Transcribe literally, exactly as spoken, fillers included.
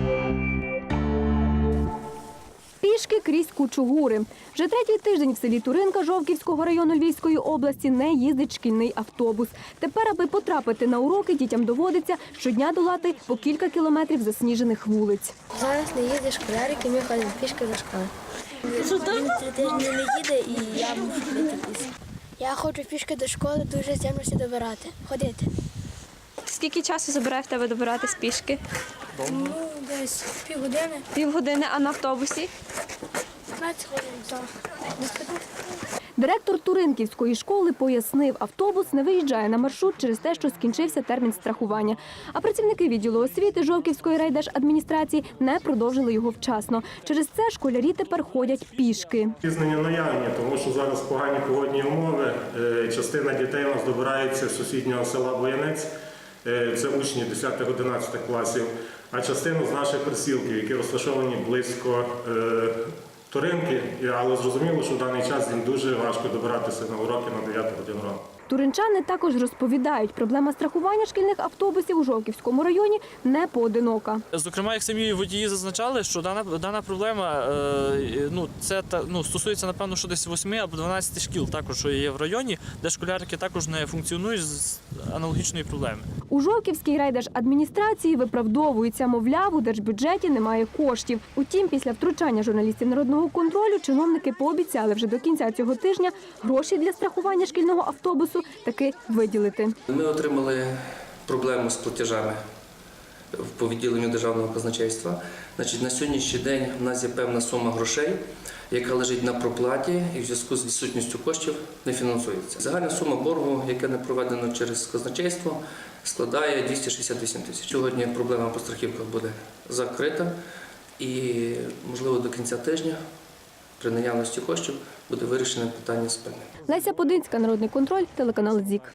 Пішки крізь кучугури. Вже третій тиждень в селі Туринка Жовківського району Львівської області не їздить шкільний автобус. Тепер, аби потрапити на уроки, дітям доводиться щодня долати по кілька кілометрів засніжених вулиць. Зараз не їде школярик, і ми ходимо пішки до школи. Він три тижні не їде, і я мушу ходити пішки. Я хочу пішки до школи дуже землюся добирати, ходити. Скільки часу забирає в тебе добиратись пішки? Ну, десь півгодини, Півгодини, а на автобусі? п'ятнадцять хвилин. Так. Директор Туринківської школи пояснив, автобус не виїжджає на маршрут через те, що скінчився термін страхування. А працівники відділу освіти Жовківської райдержадміністрації не продовжили його вчасно. Через це школярі тепер ходять пішки. Пізнення наявні, тому що зараз погані погодні умови. Е, Частина дітей у нас добирається з сусіднього села Боянець, е, це учні десятих-одинадцятих класів, а частину з наших присілків, які розташовані близько е, Туринки, але зрозуміло, що в даний час їм дуже важко добиратися на уроки на дев'яту годину ранку. Туринчани також розповідають, проблема страхування шкільних автобусів у Жовківському районі не поодинока. Зокрема, як самі водії зазначали, що дана, дана проблема е, ну, це, та, ну, стосується, напевно, що десь восьми або дванадцяти шкіл, також, що є в районі, де школярики також не функціонують з аналогічної проблеми. У Жовківській райдержадміністрації виправдовуються, мовляв, у держбюджеті немає коштів. Утім, після втручання журналістів народного контролю чиновники пообіцяли вже до кінця цього тижня гроші для страхування шкільного автобусу таки виділити. Ми отримали проблему з платежами по відділенню державного казначейства. Значить, на сьогоднішній день в нас є певна сума грошей, яка лежить на проплаті і в зв'язку з відсутністю коштів не фінансується. Загальна сума боргу, яка не проведено через казначейство, складає двісті шістдесят вісім тисяч. Сьогодні проблема по страхівках буде закрита і, можливо, до кінця тижня при наявності коштів буде вирішено питання з певним. Леся Подинська, Народний контроль, телеканал ЗІК.